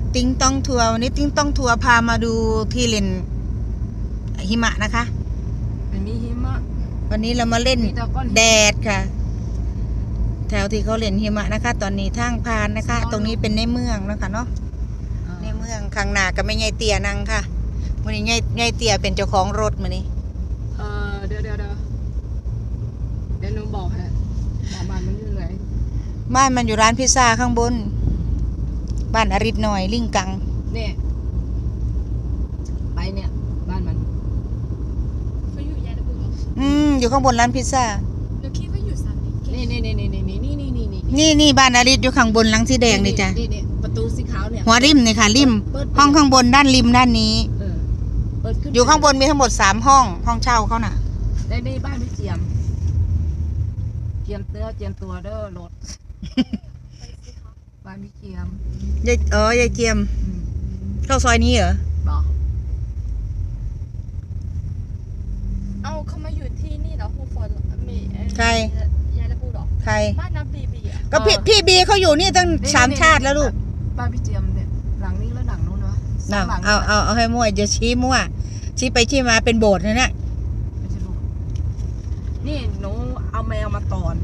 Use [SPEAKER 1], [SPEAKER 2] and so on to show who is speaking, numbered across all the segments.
[SPEAKER 1] ติ้งต้องทัวร์วันนี้ติ้งต้องทัวร์พามาดูที่เล่นหิมะนะคะ
[SPEAKER 2] มันมีหิมะ
[SPEAKER 1] วันนี้เรามาเล่นแดดค่ะแถวที่เขาเล่นหิมะนะคะตอนนี้ทางพานนะคะตรงนี้เป็นในเมืองนะคะเนาะในเมืองข้างหน้าก็ไม่ใหญ่เตี้ยนังค่ะวันนี้ใหญ่เตี้ยเป็นเจ้าของรถมานี่
[SPEAKER 2] เดี๋ยวหนูบอกฮะบ้านมันอยู่ไหน
[SPEAKER 1] บ้านมันอยู่ร้านพิซซ่าข้างบนบ้านอริศหน่อยลิงกัง
[SPEAKER 2] เนี่ยไปเนี่ยบ้านมัน
[SPEAKER 3] เขาอยู่ยาลบุรี
[SPEAKER 1] อยู่ข้างบนร้านพิซซ่า
[SPEAKER 3] หนูคิดว่าอยู่สามนี่
[SPEAKER 1] นี่บ้านอริศอยู่ข้างบนหลังสีแดงนี่จ้ะ
[SPEAKER 2] นี่ประตูสีขาวเนี่ย
[SPEAKER 1] หัวริมนี่ค่ะริมห้องข้างบนด้านริมด้านนี้อยู่ข้างบนมีทั้งหมด3ห้องเช่าเขาน่ะ
[SPEAKER 2] ในบ้านพี่เจียมเจียมตัวเด้อรถบ้านพี่เจียม
[SPEAKER 1] ยายเจียมเข้าซอยนี้เหรอ
[SPEAKER 2] บอก
[SPEAKER 3] เอาเขามาอยู่ที่นี่เหรอฮูฟอร์ดมี
[SPEAKER 1] ใคร
[SPEAKER 3] ยาลบุรี
[SPEAKER 1] ใคร
[SPEAKER 3] บ้านน้ำบีอ่ะ
[SPEAKER 1] ก็พี่บีเขาอยู่นี่ตั้ง3 ชาติแล้วลูก
[SPEAKER 2] บ้านพี่เจียมเนี่ยหลังนี้แล้วหลังนู้นวะ
[SPEAKER 1] เอาให้มั่วจะชี้มั่วชี้ไปชี้มาเป็นโบสถ์นะเนี่ย
[SPEAKER 2] ไม่ใช่โบสถ์นี่หนูเอาแมวมาตอน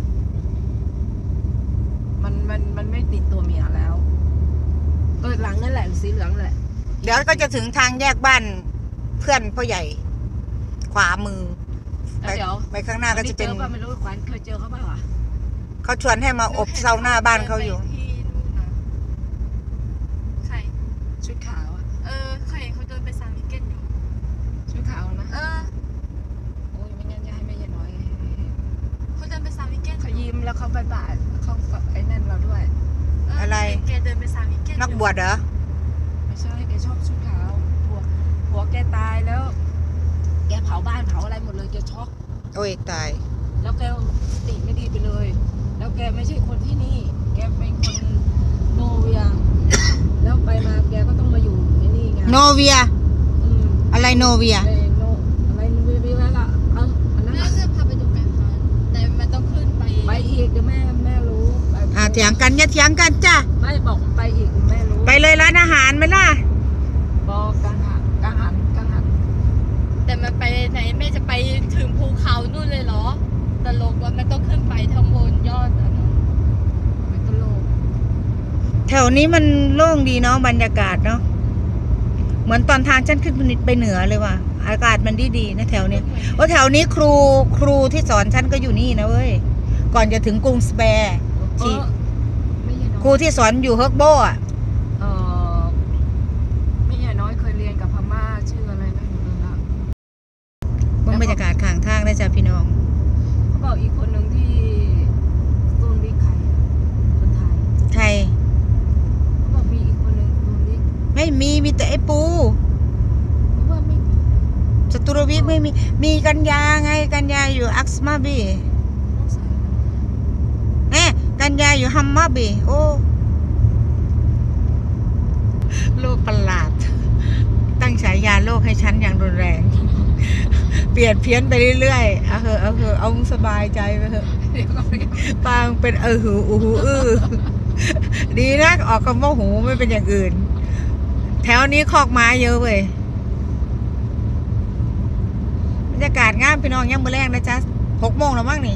[SPEAKER 2] มันไม่ติดตัวเมียแล้วหลังนั่นแหละสีเหลืองแหละ
[SPEAKER 1] เดี๋ยวก็จะถึงทางแยกบ้านเพื่อนพ่อใหญ่ขวามือไปข้างหน้าก็จะเป็น
[SPEAKER 2] ไม่รู้ขวัญเคยเจอเขาบ้างวะ
[SPEAKER 1] เขาชวนให้มาอบเซาหน้าบ้านเขาอยู่
[SPEAKER 3] ใคร
[SPEAKER 2] ชุดขาวอ่ะ
[SPEAKER 3] เคยเห็นเขาเดินไปซามิเกนอยู่
[SPEAKER 2] ชุดขาวนะโอ้ยไม่งั้นจะให้แม่ยายน้อย
[SPEAKER 3] เขาเดินไปซามิเกน
[SPEAKER 2] เขายิ้มแล้วเขาบายบายเขาไอ้นั่นเราด้วย
[SPEAKER 1] อะไร
[SPEAKER 3] แกเดินไปซามิเกน
[SPEAKER 1] นักบวชเหรอ
[SPEAKER 2] ไม่ใช่แกชอบชุดขาวผัวแกตายแล้วแกเผาบ้านเผาอะไรหมดเลยแกช็อก
[SPEAKER 1] โอ้ยตาย
[SPEAKER 2] แล้วแกสติไม่ดีไปเลยแล้วแกไม่ใช่คนที่นี่แกเป็นคนโนเวียแล้วไปมาแกก็ต้องมาอยู่ในนี่ไง
[SPEAKER 1] โนเวียอะไรโนเวีย
[SPEAKER 2] อะไรโนเวียละอันนั้น
[SPEAKER 3] แม่จะพาไปดูกันค่ะแต่มันต้องขึ้นไป
[SPEAKER 2] อีกเดี๋ยวแม่รู้
[SPEAKER 1] เถียงกันอย่าเถียงกันจ้ะ
[SPEAKER 2] ไม่บอกไปอีกแม่รู้
[SPEAKER 1] ไปเลยร้านอาหารไหมล่ะ
[SPEAKER 2] บอกกังหัน
[SPEAKER 3] แต่มันไปไหนแม่จะไปถึงภูเขานู่นเลยเหรอตลกว่ามันต้องขึ้นไปทั้งบนยอดนะ
[SPEAKER 2] ไม่ตลก
[SPEAKER 1] แถวนี้มันโล่งดีเนาะบรรยากาศเนาะเหมือนตอนทางฉันขึ้นไปเหนือเลยว่ะอากาศมันดีนะแถวนี้แถวนี้ครูที่สอนฉันก็อยู่นี่นะเว้ยก่อนจะถึงกรุงสแปร์ครูที่สอนอยู่เฮิร์กโบอ่ะ
[SPEAKER 2] ไม่ใช่น้อยเคยเรียนกับพม่าชื่ออะไรไม่รู้ละ
[SPEAKER 1] บรรยากาศข้างทางได้จ้ะพี่น้อง
[SPEAKER 2] เขาบอกอีกคนหนึ่งที่ตูนวิกคนไทยเขาบอกมีอีกคนหนึ่งตูนวิก
[SPEAKER 1] ไม่มีแต่ไอ้ปู
[SPEAKER 2] ว่าไม่มี
[SPEAKER 1] จตุรวิกไม่มีกัญญาไงกัญญาอยู่อักษมาบีกัญญาอยู่ฮัมมาบีโอ้โลกประหลาดตั้งฉายาโลกให้ฉันอย่างรุนแรงเปลี่ยนเพี้ยนไปเรื่อยๆเอาสบายใจไปเถอะปางเป็นหูดีนะออกคำว่าหูไม่เป็นอย่างอื่นแถวนี้คอกไม้เยอะเว้ยบรรยากาศงามพี่น้องยังมื้อแรกนะจ๊ะ6 โมงแล้วมั้งนี่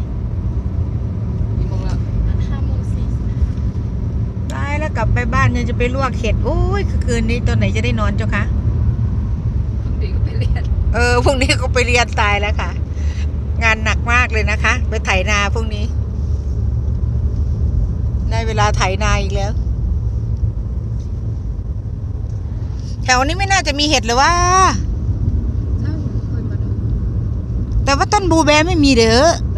[SPEAKER 1] แล้วกลับไปบ้านยังจะไปลวกเห็ดโอ้ยคืนนี้ตอนไหนจะได้นอนเจ้าคะ
[SPEAKER 2] พรุ่งนี้ก็ไปเรียน
[SPEAKER 1] พรุ่งนี้ก็ไปเรียนตายแล้วค่ะงานหนักมากเลยนะคะไปไถนาพรุ่งนี้ได้เวลาไถนาอีกแล้วแถวนี้ไม่น่าจะมีเห็ดเลยว่าแต่ว่าต้นบลูแบร์ไม่มีเด้อ